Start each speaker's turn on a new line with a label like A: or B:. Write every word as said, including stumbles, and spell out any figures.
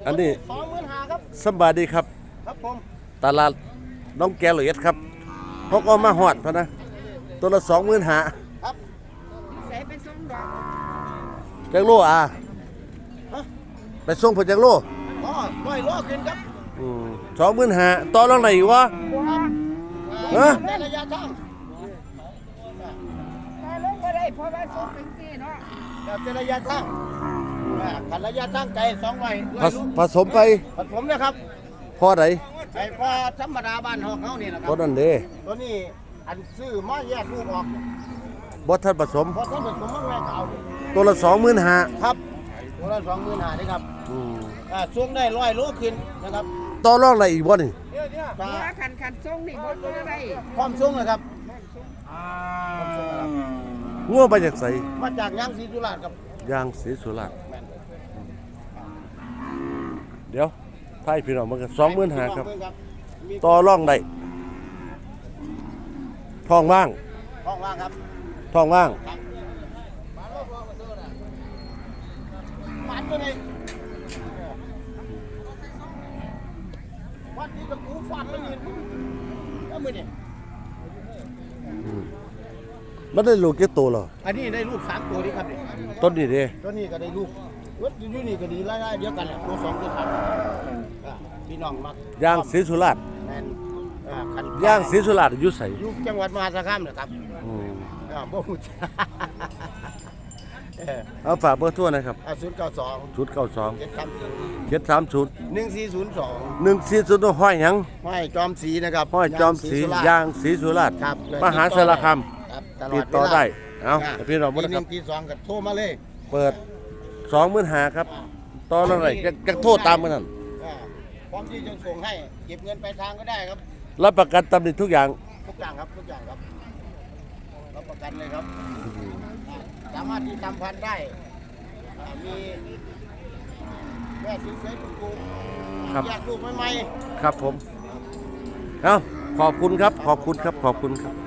A: อันนี้
B: สองหมื่นห้าครับ
A: สบายดีครับ
B: ครับผม
A: ตลาดน้องแกเหลยดครับพกเอามาหอดพะนะตัวละสองหมื่นหา
B: ครับ
C: ใส่ไปส่งดอก
A: จักโลอ่ะ
B: ฮะ
A: ไปส่งผลจักโล
B: อ๋อร้อยโลขึ้นครับ
A: สองหมื่นหาต่อรองไหนวะ
C: บัว
A: ฮะ
B: ในระยะทาง
C: มาลงบ่ได้เพราะว่าส่งถึงที่เนาะ
B: แบบเป็นระยะทางอ่าขันระยะทางไกลสองร้อย
A: ผสผสมไป
B: ผสมนะครับ
A: พอไหน
B: ไอ้พอธรรมดาบ้านหอกเขานี่นะครั
A: พอบ นั่นเด้
B: ตัวนี้อันซื้อมาแยกลูกออก
A: บ่ทันผสม
B: พอท่านผสมมาแม่เขา
A: ตัวละสองหมื่นหา
B: ครับตัวละสองหมื่นห้านี่ครับอ่าช่วงได้ร้อยโลขึ้นนะครับ
A: ต่อรองไหนอีกบ่นี่
B: ก็
C: บัวคันคันส่งนี่บ่บ่ได้
B: พร้อมช่วงนะครับพร้อมช่วงนะครับ
A: งัวไปจากไส
B: มาจากยางศรีสุราษฎร์ครับ
A: ยางศรีสุราษฎร์
B: แม่น
A: เดี๋ยวไทยพี่น้องมันก็สองหมื่นหาครับ
B: มี
A: ต่อรองได้ท้องว่าง
B: ห้องว่างครับ
A: ท้องว่าง
B: ครับมันตัวนี้วัดที่ตะกูฟันมันนี่แล้วมือนี่
A: มันได้ลูกเกี่ตัวเหรอ
B: อันนี้ได้ลูกสามตัวนี่ครับนี่
A: ต้นนี้เด้
B: ตัวนี้ก็ได้ลูกรถอยู่นี่ก็ดีไล่ๆเดียวกันแหละตัวสองตัวสามอ่าพี่น้องมัก
A: ยางศรีสุราษฎร์
B: แมนอ่าคัน
A: ยางศรีสุราษฎร์อยู่ไส
B: อยู่จังหวัดมหาสารคามนะครับ
A: อืม
B: อ่าบ่ฮู้จักเออ
A: เอาฝากเบอร์โทรนะครับ
B: อ่าศูนย์เก้าสอง
A: ศูนย์เก้าสอง
B: เจ็ดสามสี่
A: เจ็ดสามศูนย์
B: หนึ่งสี่ศูนย์สอง
A: หนึ่งสี่ศูนย์ห้อยหยัง
B: ห้อยจอมศรีนะครับ
A: ห้อยจอมศรี
B: สุรษฎ
A: ยางศรีสุราษฎร์
B: ครับ
A: มหาสารคาม
B: ครับ
A: ติดต่อได้ เอา
B: อ่า
A: แต่พี่น้องบ่
B: ที
A: นะ
B: ห
A: ค
B: นึ่
A: รับ
B: งทีสองก็โทรมาเลย
A: เปิดสองหมื่นหาครับตอนอะไรจะจะโทษตามมันนั่น
B: อ่าพร้อมที่จะส่งให้เก็บเงินไปลายทางก็ได้ครับ
A: รับประกันตำหนิทุกอย่าง
B: ทุกอย่างครับทุกอย่างครับรับประกันเลยครับอ่าสามารถที่ทำพันธุ์ได้อ่ามีแม่สวยๆปลูก
A: ครับ
B: แยกลูกใหม่
A: ครับผม เอาขอบคุณครับ ขอบคุณครับ ขอบคุณครับ